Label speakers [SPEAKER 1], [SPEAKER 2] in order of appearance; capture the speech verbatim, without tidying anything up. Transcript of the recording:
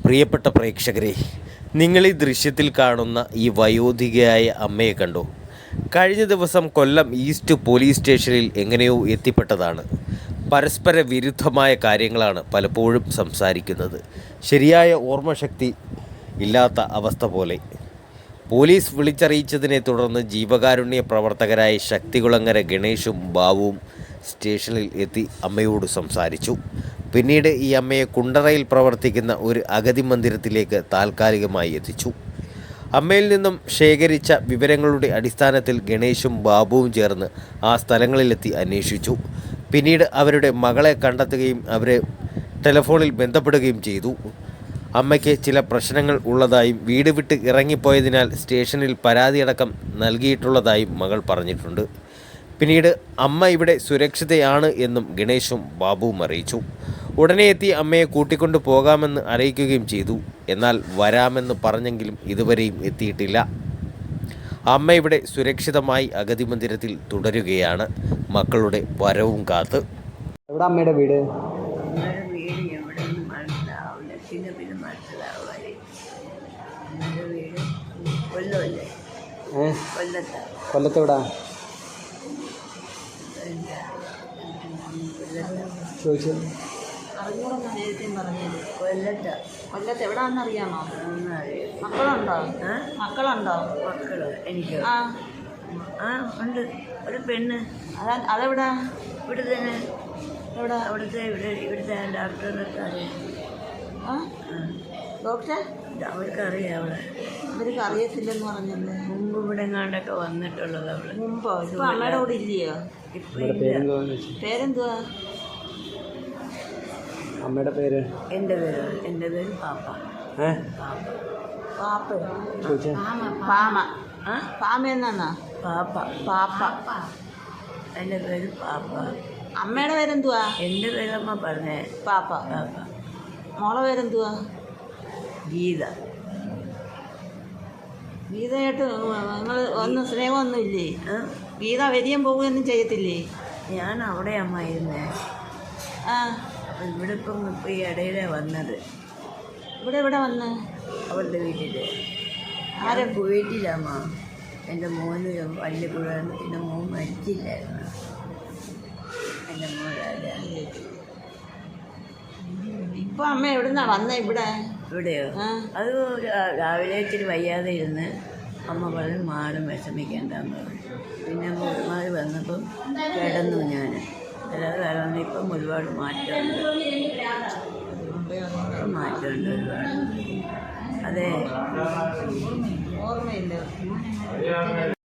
[SPEAKER 1] പ്രിയപ്പെട്ട പ്രേക്ഷകരെ, നിങ്ങൾ ഈ ദൃശ്യത്തിൽ കാണുന്ന ഈ വയോധികയായ അമ്മയെ കണ്ടോ? കഴിഞ്ഞ ദിവസം കൊല്ലം ഈസ്റ്റ് പോലീസ് സ്റ്റേഷനിൽ എങ്ങനെയോ എത്തിപ്പെട്ടതാണ്. പരസ്പര വിരുദ്ധമായ കാര്യങ്ങളാണ് പലപ്പോഴും സംസാരിക്കുന്നത്. ശരിയായ ഓർമ്മശക്തി ഇല്ലാത്ത അവസ്ഥ പോലെ. പോലീസ് വിളിച്ചറിയിച്ചതിനെ തുടർന്ന് ജീവകാരുണ്യ പ്രവർത്തകരായ ശക്തികുളങ്ങര ഗണേഷും ബാബുവും സ്റ്റേഷനിൽ എത്തി അമ്മയോട് സംസാരിച്ചു. പിന്നീട് ഈ അമ്മയെ കുണ്ടറയിൽ പ്രവർത്തിക്കുന്ന ഒരു അഗതി മന്ദിരത്തിലേക്ക് താൽക്കാലികമായി എത്തിച്ചു. അമ്മയിൽ നിന്നും ശേഖരിച്ച വിവരങ്ങളുടെ അടിസ്ഥാനത്തിൽ ഗണേഷും ബാബുവും ചേർന്ന് ആ സ്ഥലങ്ങളിലെത്തി അന്വേഷിച്ചു. പിന്നീട് അവരുടെ മകളെ കണ്ടെത്തുകയും അവരെ ടെലിഫോണിൽ ബന്ധപ്പെടുകയും ചെയ്തു. അമ്മയ്ക്ക് ചില പ്രശ്നങ്ങൾ ഉള്ളതായും വീട് വിട്ട് ഇറങ്ങിപ്പോയതിനാൽ സ്റ്റേഷനിൽ പരാതിയടക്കം നൽകിയിട്ടുള്ളതായും മകൾ പറഞ്ഞിട്ടുണ്ട്. പിന്നീട് അമ്മ ഇവിടെ സുരക്ഷിതയാണ് എന്നും ഗണേഷും ബാബുവും അറിയിച്ചു. ഉടനെ എത്തി അമ്മയെ കൂട്ടിക്കൊണ്ടു പോകാമെന്ന് അറിയിക്കുകയും ചെയ്തു. എന്നാൽ വരാമെന്ന് പറഞ്ഞെങ്കിലും ഇതുവരെയും എത്തിയിട്ടില്ല. അമ്മ ഇവിടെ സുരക്ഷിതമായി അഗതി മന്ദിരത്തിൽ തുടരുകയാണ്, മക്കളുടെ വരവും കാത്ത്.
[SPEAKER 2] എവിടെ അമ്മയുടെ വീട്? കൊല്ലത്തെവിടാ ചോദിച്ചു?
[SPEAKER 3] കൊല്ലത്ത് കൊല്ലത്ത് എവിടാന്ന് അറിയാമോ? മക്കളുണ്ടോ? മക്കളുണ്ടോ? മക്കള് എനിക്ക് ആ ആ ഉണ്ട്. ഒരു പെണ്ണ്. അതാ അതെവിടാ? ഇവിടെ തന്നെ. എവിടെ? അവിടുത്തെ ഇവിടെ ഇവിടുത്തെ ഡോക്ടർക്ക് അറിയാം. ആ ഡോക്ടറെ അവർക്ക് അറിയാം. അവിടെ അവർക്ക് അറിയത്തില്ലെന്ന് പറഞ്ഞല്ലേ? മുമ്പ് ഇവിടെ എങ്ങാണ്ടൊക്കെ വന്നിട്ടുള്ളത് അവള്. മുമ്പോ? ഇപ്പം അമ്മയുടെ കൂടെ ഇല്ലയോ? ഇപ്പം പേരെന്തുവാ?
[SPEAKER 2] അമ്മയുടെ പേര്? എൻ്റെ
[SPEAKER 3] പേര് എൻ്റെ പേര് പാപ്പ.
[SPEAKER 2] ഏ
[SPEAKER 3] പാപ്പ
[SPEAKER 2] ചോദിച്ചേ?
[SPEAKER 3] പാമ. ആ പാമ എന്നാ? പാപ്പ. പാപ്പ. എൻ്റെ പേര് പാപ്പ. അമ്മയുടെ പേരെന്തുവാ? എൻ്റെ പേരമ്മ പറഞ്ഞേ. പാപ്പ. പാപ്പ. മോളെ പേരെന്തുവാ? ഗീത. ഗീതയായിട്ട് നിങ്ങൾ ഒന്നും സ്നേഹമൊന്നും ഇല്ലേ? ഗീത വരികയും പോവുകയൊന്നും ചെയ്യത്തില്ലേ? ഞാൻ അവിടെ അമ്മ ഇരുന്നേ. ആ ഇവിടെ ഇപ്പം ഇപ്പം ഈ ഇടയിലെ വന്നത്. ഇവിടെ ഇവിടെ വന്ന് അവളുടെ വീട്ടിൽ. ആരെ വീട്ടിലമ്മ? എൻ്റെ മോന് പള്ളിക്കൂടാണ്. എൻ്റെ മോൻ മരിച്ചില്ലായിരുന്നു. എൻ്റെ മോൻ ഇപ്പം അമ്മ എവിടുന്നാ വന്നേ? ഇവിടെ ഇവിടെയോ? അത് രാവിലെ ഇച്ചിരി വയ്യാതെ ഇരുന്ന് അമ്മ പറഞ്ഞ് മാറും, വിഷമിക്കേണ്ടെന്ന് പറഞ്ഞു. പിന്നെ മാറി വന്നപ്പം കിടന്നു ഞാൻ. അല്ലാതെ കാരണം ഇപ്പം ഒരുപാട് മാറ്റമുണ്ട്. മാറ്റമുണ്ട് ഒരുപാട്. അതെ, ഓർമ്മയില്ല.